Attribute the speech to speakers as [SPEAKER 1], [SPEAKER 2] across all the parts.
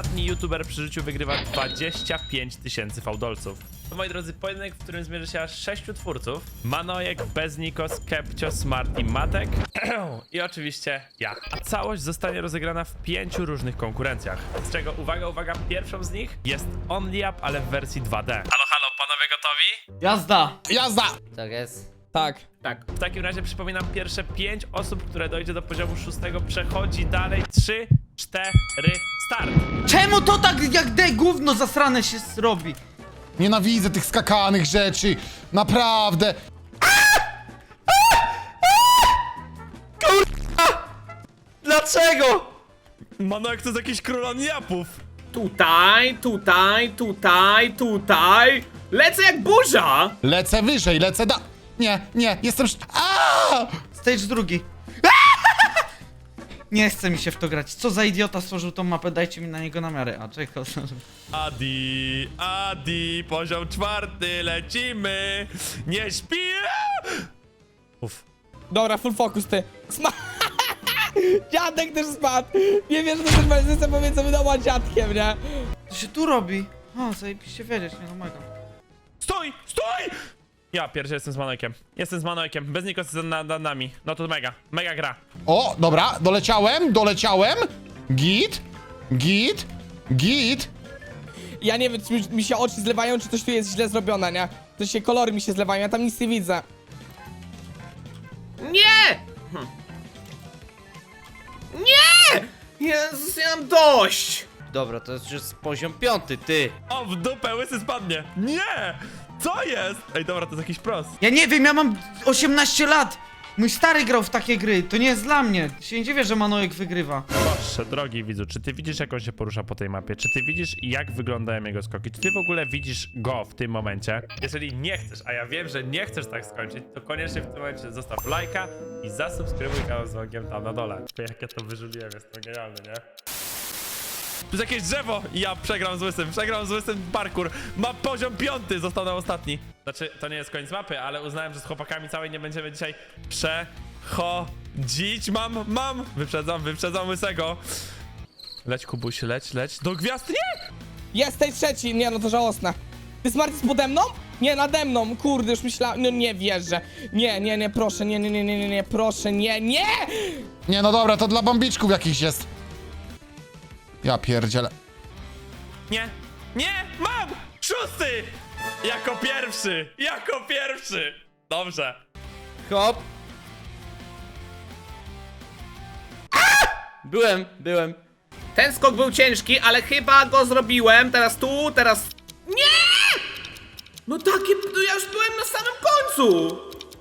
[SPEAKER 1] ostatni youtuber przy życiu wygrywa 25 000 fałdolców. To, moi drodzy, pojedynek, w którym zmierzy się aż 6 twórców. Manojek, Beznikos, Kepcio, Smart i Matek. I oczywiście ja. A całość zostanie rozegrana w 5 różnych konkurencjach. Z czego, uwaga, pierwszą z nich jest Only Up, ale w wersji 2D. Halo, panowie gotowi?
[SPEAKER 2] Jazda!
[SPEAKER 3] Jazda!
[SPEAKER 2] Tak jest.
[SPEAKER 4] Tak.
[SPEAKER 3] Tak.
[SPEAKER 1] W takim razie przypominam, pierwsze 5 osób, które dojdzie do poziomu 6, przechodzi dalej. 3, 4, start!
[SPEAKER 2] Czemu to tak jak gówno zasrane się robi?
[SPEAKER 3] Nienawidzę tych skakanych rzeczy. Naprawdę.
[SPEAKER 2] Dlaczego?
[SPEAKER 1] Manojek to jest jakiś król Only-Upów.
[SPEAKER 5] Tutaj. Lecę jak burza!
[SPEAKER 3] Lecę wyżej, lecę Nie, jestem...
[SPEAKER 2] Stage drugi. Nie chce mi się w to grać. Co za idiota stworzył tą mapę? Dajcie mi na niego namiary. A czekaj.
[SPEAKER 1] Adi, poziom 4, lecimy. Nie śpi. Uff.
[SPEAKER 4] Dobra, full focus ty. Dziadek też spadł. Nie wiesz, że to też będzie powiedzmy doма dziadkiem, nie?
[SPEAKER 2] Co się tu robi? O, zajebiście wiedzieć, nie no mega.
[SPEAKER 1] Stój! Ja pierwszy jestem z Manojkiem. Bez Nikos jest nad nami. No to mega gra.
[SPEAKER 3] O, dobra, doleciałem. Git.
[SPEAKER 4] Ja nie wiem, czy mi się oczy zlewają, czy coś tu jest źle zrobione, nie? To się kolory mi się zlewają, ja tam nic nie widzę.
[SPEAKER 5] Nie! Nie! Jezus, ja mam dość!
[SPEAKER 2] Dobra, to jest już poziom 5, ty.
[SPEAKER 1] O, w dupę, łysy spadnie. Nie! Co jest? Ej, dobra, to jest jakiś pros.
[SPEAKER 2] Ja nie wiem, ja mam 18 lat. Mój stary grał w takie gry, to nie jest dla mnie. Się nie dziwię, że Manojek wygrywa.
[SPEAKER 1] Proszę, drogi widzu, czy ty widzisz, jak on się porusza po tej mapie? Czy ty widzisz, jak wyglądają jego skoki? Czy ty w ogóle widzisz go w tym momencie? Jeżeli nie chcesz, a ja wiem, że nie chcesz tak skończyć, to koniecznie w tym momencie zostaw lajka i zasubskrybuj kanał z dzwonkiem tam na dole. Jak ja to wyżyliłem, jest to genialne, nie? Tu jest jakieś drzewo i ja przegram z łysym parkour. Ma poziom 5, został na ostatni. Znaczy, to nie jest koniec mapy, ale uznałem, że z chłopakami całej nie będziemy dzisiaj przechodzić. Mam! Wyprzedzam łysego. Leć, Kubuś, leć. Do gwiazd, nie!
[SPEAKER 4] Jest tej trzeci, nie no to żałosne. Ty Smart jest pode mną? Nie, nade mną, kurde, już myślałem, no nie wierzę. Nie, proszę, nie, proszę, nie!
[SPEAKER 3] Nie, no dobra, to dla bambiczków jakichś jest. Ja pierdzielę.
[SPEAKER 1] Nie! Mam! 6! Jako pierwszy! Dobrze.
[SPEAKER 2] Hop. Byłem.
[SPEAKER 5] Ten skok był ciężki, ale chyba go zrobiłem. Teraz... Nie! No takie... No ja już byłem na samym końcu!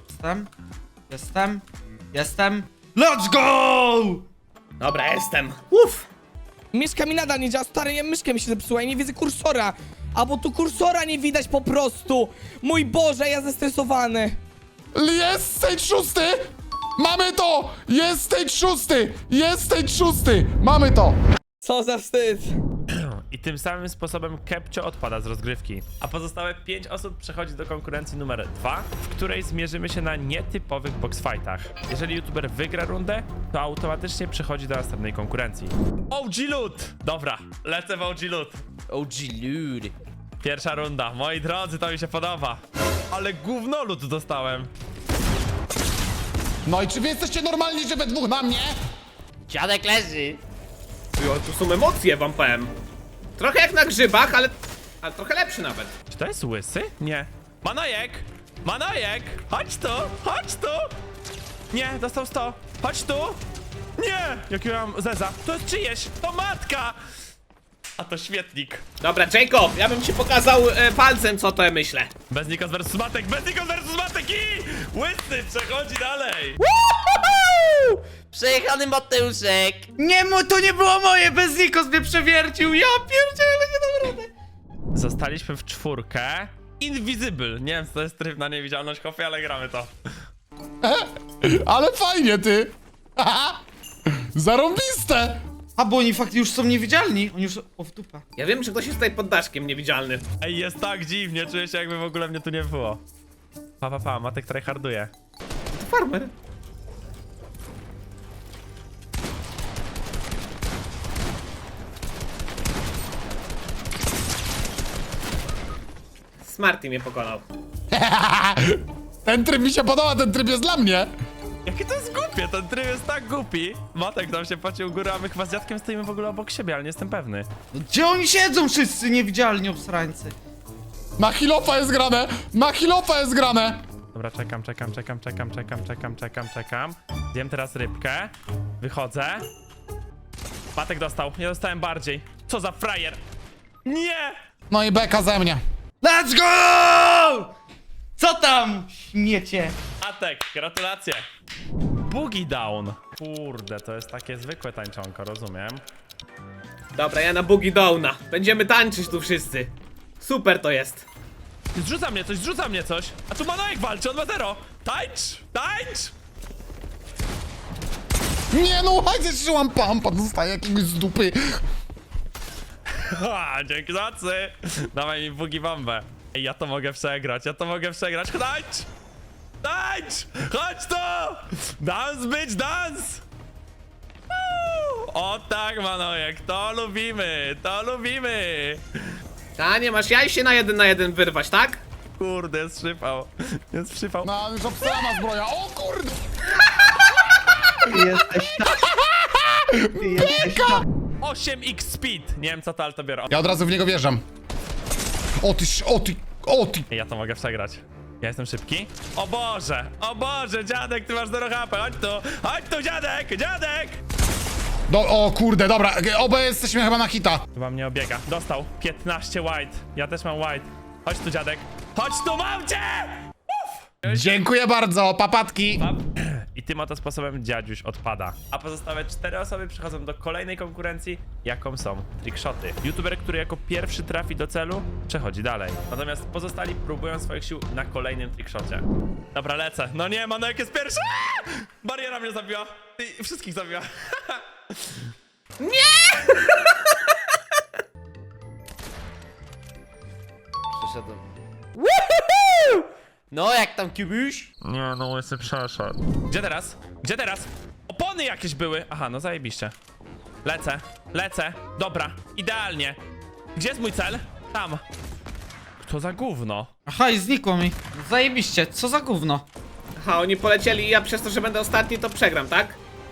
[SPEAKER 2] Jestem. Let's go!
[SPEAKER 5] Dobra, jestem. Uff!
[SPEAKER 4] Myszka mi nadal nie działa, stary, myszka mi się zepsuła i nie widzę kursora. Albo tu kursora nie widać po prostu. Mój Boże, ja zestresowany.
[SPEAKER 3] Jest stage 6! Mamy to! Jest stage 6! Mamy to!
[SPEAKER 4] Co za wstyd.
[SPEAKER 1] I tym samym sposobem Kepcio odpada z rozgrywki. A pozostałe 5 osób przechodzi do konkurencji numer 2, w której zmierzymy się na nietypowych boxfightach. Jeżeli youtuber wygra rundę, to automatycznie przechodzi do następnej konkurencji. OG Loot! Dobra, lecę w OG Loot.
[SPEAKER 2] OG ludy.
[SPEAKER 1] Pierwsza runda. Moi drodzy, to mi się podoba. Ale gówno loot dostałem.
[SPEAKER 3] No i czy wy jesteście normalni, że we dwóch na mnie?
[SPEAKER 2] Dziadek leży.
[SPEAKER 5] Jo, tu są emocje, wam powiem. Trochę jak na grzybach, ale trochę lepszy nawet.
[SPEAKER 1] Czy to jest łysy? Nie. Manojek! Chodź tu! Nie, dostał 100. Chodź tu! Nie! Jakiego ja mam zeza? To jest czyjeś! To matka! A to świetnik.
[SPEAKER 5] Dobra, Jacob, ja bym ci pokazał palcem, co to ja myślę.
[SPEAKER 1] Bez Nikos versus Matek i łysy przechodzi dalej.
[SPEAKER 2] Przejechany Mateuszek. Nie, to nie było moje, bez Nikos mnie przewiercił. Ja pierdzielę, nie dam rady.
[SPEAKER 1] Zostaliśmy w 4. Invisible. Nie wiem, co to jest tryb na niewidzialność, Hofie, ale gramy to.
[SPEAKER 3] Ale fajnie, ty! Zarąbiste!
[SPEAKER 2] A, bo oni faktycznie już są niewidzialni. Oni już... O, w dupę.
[SPEAKER 5] Ja wiem, że ktoś jest tutaj pod daszkiem niewidzialny.
[SPEAKER 1] Ej, jest tak dziwnie, czuję się, jakby w ogóle mnie tu nie było. Matek tryharduje.
[SPEAKER 5] To farmer. Smarty mnie pokonał.
[SPEAKER 3] Ten tryb mi się podoba, ten tryb jest dla mnie.
[SPEAKER 1] Jakie to jest głupie, ten tryb jest tak głupi. Matek tam się płacił u góry, a my chyba z dziadkiem stoimy w ogóle obok siebie, ale nie jestem pewny.
[SPEAKER 2] No, gdzie oni siedzą wszyscy niewidzialni obsrańcy?
[SPEAKER 3] Na Hilofa jest grane! Na Hilofa jest grane!
[SPEAKER 1] Dobra, czekam. Zjem teraz rybkę. Wychodzę. Matek dostał, nie dostałem bardziej. Co za frajer? Nie!
[SPEAKER 3] No i beka ze mnie.
[SPEAKER 2] Let's go! Co tam, śmiecie?
[SPEAKER 1] Matek, gratulacje. Boogie down. Kurde, to jest takie zwykłe tańczonko, rozumiem.
[SPEAKER 5] Dobra, ja na Boogie Downa. Będziemy tańczyć tu wszyscy. Super to jest.
[SPEAKER 1] Zrzuca mnie coś. A tu Manojek walczy, on ma 0. Tańcz!
[SPEAKER 3] Nie no, chociaż trzymam pampa, dostaję jakiegoś z dupy.
[SPEAKER 1] Ha, dzięki za nocy. Dawaj mi Boogie bombę. Ej, ja to mogę przegrać. Tańcz! Chodź tu! Dance, bitch, dance! O tak, Manojek, to lubimy!
[SPEAKER 5] Ta, nie masz jaj się na 1 wyrwać, tak?
[SPEAKER 1] Kurde, jest przypał.
[SPEAKER 3] No, już obsrana zbroja, o kurde!
[SPEAKER 2] Jesteś tam.
[SPEAKER 1] 8x speed! Nie wiem co to, ale to biorę.
[SPEAKER 3] Ja od razu w niego wjeżdżam. O ty!
[SPEAKER 1] Ja to mogę przegrać. Ja jestem szybki. O Boże, dziadek, ty masz 0 HP, chodź tu, dziadek!
[SPEAKER 3] O kurde, dobra, obaj jesteśmy chyba na hita.
[SPEAKER 1] Chyba mnie obiega. Dostał. 15 white. Ja też mam white. Chodź tu, dziadek. Chodź tu, mam cię!
[SPEAKER 3] Dziękuję bardzo, papatki.
[SPEAKER 1] I tym oto sposobem dziadziuś odpada. A pozostałe 4 osoby przechodzą do kolejnej konkurencji, jaką są trickshoty. YouTuber, który jako pierwszy trafi do celu, przechodzi dalej. Natomiast pozostali próbują swoich sił na kolejnym trickshocie. Dobra, lecę. No nie, Manojek jest pierwszy! Aaa! Bariera mnie zabiła. Wszystkich zabiła.
[SPEAKER 6] Przeszedłem. No, jak tam kibuś?
[SPEAKER 1] Nie, no łysy przeszedł. Gdzie teraz? Opony jakieś były! Aha, no zajebiście. Lecę. Dobra, idealnie. Gdzie jest mój cel? Tam. Kto za gówno?
[SPEAKER 2] Aha, i znikło mi. Zajebiście, co za gówno?
[SPEAKER 5] Aha, oni polecieli i ja przez to, że będę ostatni, to przegram, tak?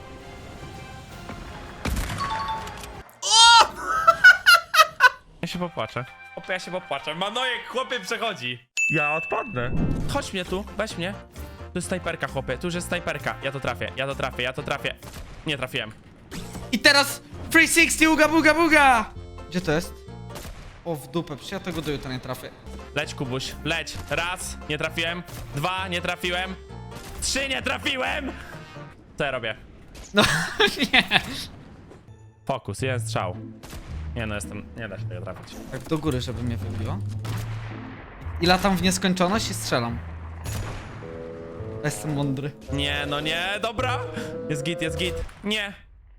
[SPEAKER 1] Ja się popłaczę. Manojek, chłopie, przechodzi. Ja odpadnę. Chodź mnie tu, weź mnie. Tu jest snajperka, chłopie, tu już jest snajperka. Ja to trafię. Nie trafiłem.
[SPEAKER 2] I teraz 360 uga buga buga! Gdzie to jest? O, w dupę, przecież ja tego do jutra nie trafię.
[SPEAKER 1] Leć, Kubuś, leć. 1, nie trafiłem. 2, nie trafiłem. 3, nie trafiłem! Co ja robię?
[SPEAKER 2] No, nie.
[SPEAKER 1] Fokus, jeden strzał. Nie da się tego trafić.
[SPEAKER 2] Tak do góry, żeby mnie wybiło. I latam w nieskończoność i strzelam. Jestem mądry.
[SPEAKER 1] Nie, no nie, dobra. Jest git. Nie.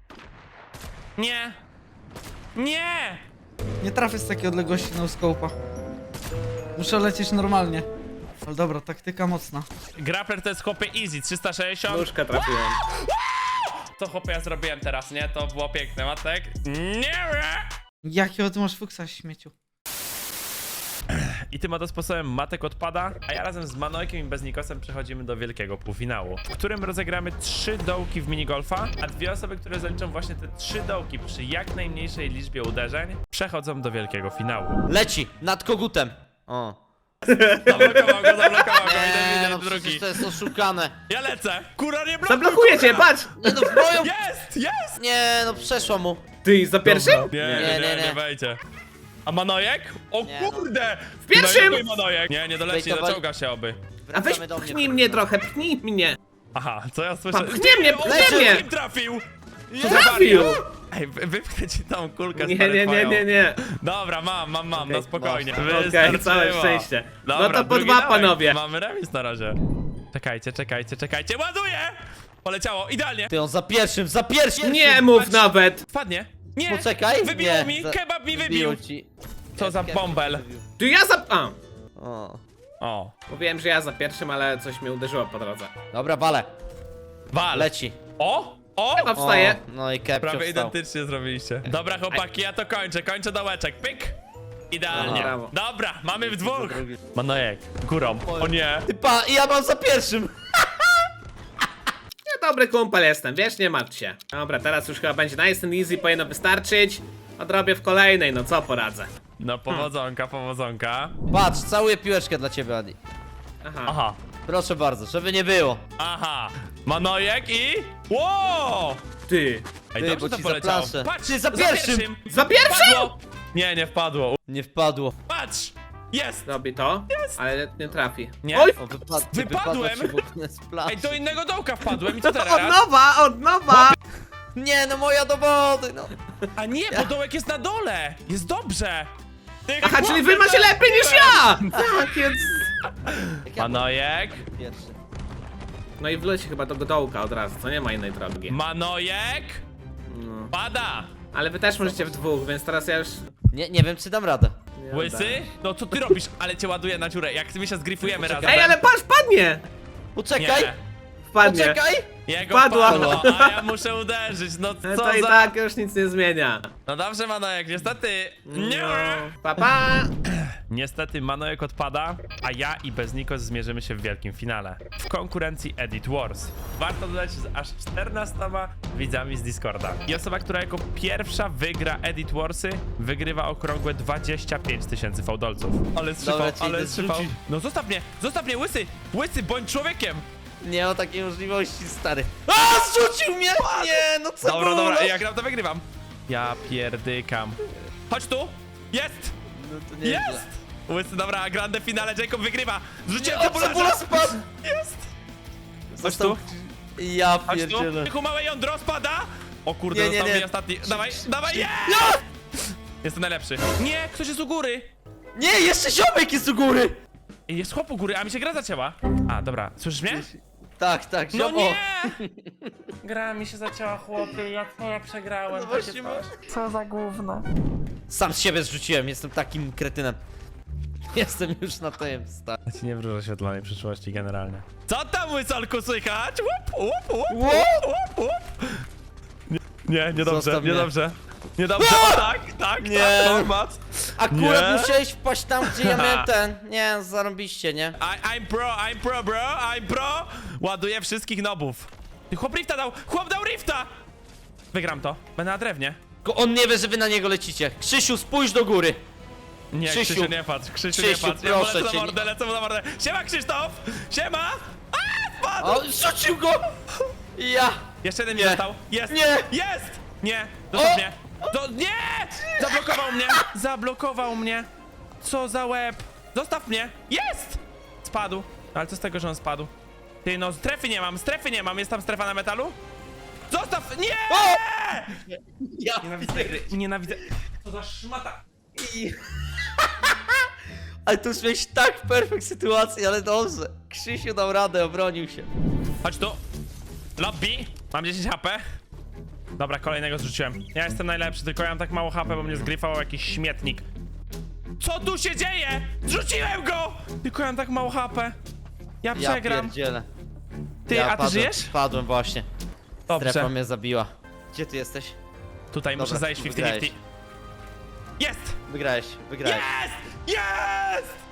[SPEAKER 2] Nie trafię z takiej odległości no scope'a. Muszę lecieć normalnie. Ale dobra, taktyka mocna.
[SPEAKER 1] Grappler to jest chłopie easy, 360.
[SPEAKER 5] Nóżkę trafiłem.
[SPEAKER 1] Co chłopie ja zrobiłem teraz, nie? To było piękne, Matek. Nie.
[SPEAKER 2] Jakiego ty masz fuksa, śmieciu?
[SPEAKER 1] I tym oto sposobem Matek odpada, a ja razem z Manojkiem i Beznikosem przechodzimy do wielkiego półfinału, w którym rozegramy 3 dołki w minigolfa, a 2 osoby, które zaliczą właśnie te 3 dołki przy jak najmniejszej liczbie uderzeń, przechodzą do wielkiego finału.
[SPEAKER 6] Leci, nad kogutem. O.
[SPEAKER 1] Zablokował go,
[SPEAKER 6] Nie,
[SPEAKER 1] idę
[SPEAKER 6] no
[SPEAKER 1] drugi.
[SPEAKER 6] przecież to jest oszukane.
[SPEAKER 1] Ja lecę! Kura nie blokuj!
[SPEAKER 5] Zablokuję cię, patrz!
[SPEAKER 6] Nie no, zbroją!
[SPEAKER 1] Jest!
[SPEAKER 6] Nie, no przeszła mu.
[SPEAKER 5] Ty, za pierwszym?
[SPEAKER 1] Nie wejdzie. A Manojek? O
[SPEAKER 6] Nie, no.
[SPEAKER 1] kurde!
[SPEAKER 5] W pierwszym!
[SPEAKER 1] No i Manojek. Nie doleci,
[SPEAKER 6] Wejtowa-
[SPEAKER 1] doczołga się oby.
[SPEAKER 5] A weź
[SPEAKER 6] Wracamy do
[SPEAKER 5] pchnij mnie trochę, pchnij mnie.
[SPEAKER 1] Aha, co ja słyszę?
[SPEAKER 5] Pchnie mnie,
[SPEAKER 1] O,
[SPEAKER 5] pchnie mnie!
[SPEAKER 1] kim trafił!
[SPEAKER 5] Trafił!
[SPEAKER 1] Ej, wypchnę ci tą kulkę
[SPEAKER 5] Nie,
[SPEAKER 1] stary,
[SPEAKER 5] nie, nie,
[SPEAKER 1] twoją.
[SPEAKER 5] nie, nie.
[SPEAKER 1] Dobra, mam, no spokojnie.
[SPEAKER 6] masz.
[SPEAKER 5] Okej,
[SPEAKER 1] Wystarczyło.
[SPEAKER 5] całe szczęście. No
[SPEAKER 1] Dobra,
[SPEAKER 5] to po
[SPEAKER 1] drugi
[SPEAKER 5] 2,
[SPEAKER 1] dołek.
[SPEAKER 5] panowie.
[SPEAKER 1] Mamy remis na razie. Czekajcie, ładuję! Poleciało, idealnie.
[SPEAKER 6] Ty on za pierwszym!
[SPEAKER 5] Nie mów nawet!
[SPEAKER 1] Wpadnie. Nie!
[SPEAKER 6] Poczekaj.
[SPEAKER 1] Wybiło
[SPEAKER 6] nie,
[SPEAKER 1] mi,
[SPEAKER 6] za-
[SPEAKER 1] kebab mi wybił.
[SPEAKER 6] ci.
[SPEAKER 1] Co za
[SPEAKER 6] Kebab
[SPEAKER 1] bąbel.
[SPEAKER 6] wybił.
[SPEAKER 5] Ty ja za... A,
[SPEAKER 1] O,
[SPEAKER 5] mówiłem, że ja za pierwszym, ale coś mnie uderzyło po drodze.
[SPEAKER 6] Dobra, wale.
[SPEAKER 1] wal.
[SPEAKER 6] Leci.
[SPEAKER 1] O!
[SPEAKER 5] Chyba wstaje.
[SPEAKER 6] O, no i Kepcio
[SPEAKER 1] Prawie
[SPEAKER 6] wstał.
[SPEAKER 1] identycznie zrobiliście. Dobra chłopaki, ja to kończę dołeczek, pyk! Idealnie.
[SPEAKER 5] Brawo.
[SPEAKER 1] Dobra, mamy w dwóch. Manojek, górą. O nie.
[SPEAKER 6] Typa, i ja mam za pierwszym.
[SPEAKER 5] Ja dobry kumpel jestem, wiesz, nie martw się. Dobra, teraz już chyba będzie nice and easy, powinno wystarczyć. Odrobię w kolejnej, no co poradzę.
[SPEAKER 1] No powodzonka, powodzonka.
[SPEAKER 6] Patrz, całuję piłeczkę dla ciebie, Adi.
[SPEAKER 5] Aha.
[SPEAKER 1] Aha,
[SPEAKER 6] Proszę bardzo, żeby nie było.
[SPEAKER 1] aha. Manojek i... Wow!
[SPEAKER 5] Ty.
[SPEAKER 1] Ej,
[SPEAKER 6] Ty,
[SPEAKER 1] dobrze
[SPEAKER 6] bo
[SPEAKER 1] to
[SPEAKER 6] ci
[SPEAKER 1] poleciało.
[SPEAKER 6] zaplaszę.
[SPEAKER 1] Patrz,
[SPEAKER 6] Ty, za pierwszym.
[SPEAKER 5] Za pierwszym?
[SPEAKER 1] Wpadło. Nie, nie wpadło.
[SPEAKER 6] Nie wpadło.
[SPEAKER 1] Patrz! Jest!
[SPEAKER 5] Robi to, ale nie trafi.
[SPEAKER 1] Nie?
[SPEAKER 5] Oj!
[SPEAKER 6] O,
[SPEAKER 1] Wypadłem.
[SPEAKER 6] wypadło ci w ogóle z plaży.
[SPEAKER 1] Ej, do innego dołka wpadłem i co
[SPEAKER 5] Od
[SPEAKER 1] teraz?
[SPEAKER 5] nowa, od nowa!
[SPEAKER 6] Nie, no moja do wody, no.
[SPEAKER 1] A nie, bo dołek jest na dole! Jest dobrze! Ty,
[SPEAKER 5] Aha, czyli
[SPEAKER 1] chłopie,
[SPEAKER 5] wy macie
[SPEAKER 1] to-
[SPEAKER 5] lepiej niż ja! Tak, więc...
[SPEAKER 1] Manojek,
[SPEAKER 6] Pierwszy.
[SPEAKER 5] No i wleci chyba do dołka od razu, co nie ma innej drogi.
[SPEAKER 1] Manojek!
[SPEAKER 5] No.
[SPEAKER 1] Pada!
[SPEAKER 5] Ale wy też możecie w dwóch, więc teraz ja już...
[SPEAKER 6] Nie wiem, czy dam radę.
[SPEAKER 5] nie
[SPEAKER 1] Łysy?
[SPEAKER 5] oddaję.
[SPEAKER 1] No co ty robisz? Ale cię ładuję na dziurę. Jak my się zgrifujemy razem.
[SPEAKER 5] Ej, ale patrz, wpadnie!
[SPEAKER 6] Poczekaj,
[SPEAKER 1] Nie.
[SPEAKER 5] Wpadnie.
[SPEAKER 6] poczekaj.
[SPEAKER 1] Jego
[SPEAKER 5] Wpadła.
[SPEAKER 1] wpadło, a ja muszę uderzyć. No
[SPEAKER 5] Ale
[SPEAKER 1] co
[SPEAKER 5] to i
[SPEAKER 1] za...
[SPEAKER 5] tak już nic nie zmienia.
[SPEAKER 1] No dobrze, Manojek, niestety. Nie.
[SPEAKER 5] No. Pa, pa.
[SPEAKER 1] Niestety Manojek odpada, a ja i Beznikos zmierzymy się w wielkim finale. W konkurencji Edit Wars. Warto dodać z aż 14 widzami z Discorda. I osoba, która jako pierwsza wygra Edit Warsy, wygrywa okrągłe 25 000 fałdolców. Ale strzypał,
[SPEAKER 6] Dobra, ci
[SPEAKER 1] ale
[SPEAKER 6] idę
[SPEAKER 1] strzypał.
[SPEAKER 6] zrzucić.
[SPEAKER 1] No zostaw mnie, Łysy! Łysy, bądź człowiekiem!
[SPEAKER 6] Nie ma takiej możliwości, stary. A, zrzucił mnie! Nie, no co
[SPEAKER 1] Dobra,
[SPEAKER 6] było?
[SPEAKER 1] dobra, jak gram to wygrywam. Ja pierdykam. Chodź tu! Jest!
[SPEAKER 6] No to nie
[SPEAKER 1] Jest! Łysy, dobra, grande finale, Jacob wygrywa! Zrzuciłem
[SPEAKER 6] O,
[SPEAKER 1] cebularza!
[SPEAKER 6] cebula spadł!
[SPEAKER 1] Jest! Chodź
[SPEAKER 6] Został...
[SPEAKER 1] tu,
[SPEAKER 6] Ja
[SPEAKER 1] chodź tu.
[SPEAKER 6] pierdzielę.
[SPEAKER 1] Tychu, małe jądro spada! O kurde,
[SPEAKER 6] Nie, nie,
[SPEAKER 1] został
[SPEAKER 6] nie.
[SPEAKER 1] mi ostatni. Dawaj, dawaj, jest! Jestem najlepszy. Nie, ktoś jest u góry!
[SPEAKER 6] Nie, jeszcze ziomek jest u góry!
[SPEAKER 1] Jest chłop u góry, a mi się gra zacięła. A, dobra, słyszysz mnie?
[SPEAKER 6] Tak,
[SPEAKER 1] No
[SPEAKER 6] ziom...
[SPEAKER 1] nie! Gra mi się zacięła, chłopie, ja przegrałem.
[SPEAKER 6] No właśnie,
[SPEAKER 1] Co za gówno.
[SPEAKER 6] Sam z siebie zrzuciłem, jestem takim kretynem. Jestem już na tym, stary.
[SPEAKER 1] Ja ci nie wróżę świetlanej przyszłości generalnie. Co tam, łysolku, słychać? Łup, łup, łup,
[SPEAKER 6] Łup!
[SPEAKER 1] łup, łup. Nie, niedobrze,
[SPEAKER 6] Zostaw mnie.
[SPEAKER 1] niedobrze. Niedobrze, o, tak,
[SPEAKER 6] Nie.
[SPEAKER 1] tak, format.
[SPEAKER 6] Akurat
[SPEAKER 1] Nie.
[SPEAKER 6] musiałeś wpaść tam, gdzie ja miałem ten. Nie, zarobiście, nie?
[SPEAKER 1] I'm pro, bro, I'm pro. Ładuję wszystkich nobów. Ty, chłop rifta dał, chłop dał rifta. Wygram to, będę na drewnie.
[SPEAKER 6] Tylko on nie wie, że wy na niego lecicie. Krzysiu, spójrz do góry.
[SPEAKER 1] Nie,
[SPEAKER 6] Krzysiu.
[SPEAKER 1] Krzysiu, nie patrz, Krzysiu,
[SPEAKER 6] Krzysiu,
[SPEAKER 1] nie patrz. Ja
[SPEAKER 6] proszę
[SPEAKER 1] lecę
[SPEAKER 6] cię,
[SPEAKER 1] na mordę, lecę mu na mordę. Siema, Krzysztof, siema. A, wpadł.
[SPEAKER 6] O, zrzucił go! Ja!
[SPEAKER 1] Jeszcze jeden mi
[SPEAKER 6] Nie.
[SPEAKER 1] został. Jest!
[SPEAKER 6] Nie.
[SPEAKER 1] Jest! Nie! Zostaw
[SPEAKER 6] O.
[SPEAKER 1] mnie! Nie! Zablokował mnie! Zablokował mnie! Co za łeb! Zostaw mnie! Jest! Spadł. Ale co z tego, że on spadł? Ty, no strefy nie mam. Jest tam strefa na metalu? Zostaw! Nie!
[SPEAKER 6] Ja
[SPEAKER 1] Nienawidzę gry. Nienawidzę. Co za szmata!
[SPEAKER 6] Ale tu już miałeś tak perfekt sytuację, ale dobrze. Krzysiu dał radę, obronił się.
[SPEAKER 1] Chodź tu. Lobby. Mam 10 HP. Dobra, kolejnego zrzuciłem. Ja jestem najlepszy, tylko ja mam tak mało HP, bo mnie zgryfał jakiś śmietnik. Co tu się dzieje? Zrzuciłem go! Tylko ja mam tak mało HP. Ja
[SPEAKER 6] Ja
[SPEAKER 1] przegram.
[SPEAKER 6] pierdzielę.
[SPEAKER 1] Ty, a ty
[SPEAKER 6] padłem,
[SPEAKER 1] żyjesz?
[SPEAKER 6] Padłem właśnie. Strefa
[SPEAKER 1] Dobrze.
[SPEAKER 6] mnie zabiła. Gdzie ty jesteś?
[SPEAKER 1] Tutaj muszę
[SPEAKER 6] Dobra,
[SPEAKER 1] zajść 50-50.
[SPEAKER 6] wygrałeś.
[SPEAKER 1] Jest!
[SPEAKER 6] Wygrałeś.
[SPEAKER 1] Jest! Jest!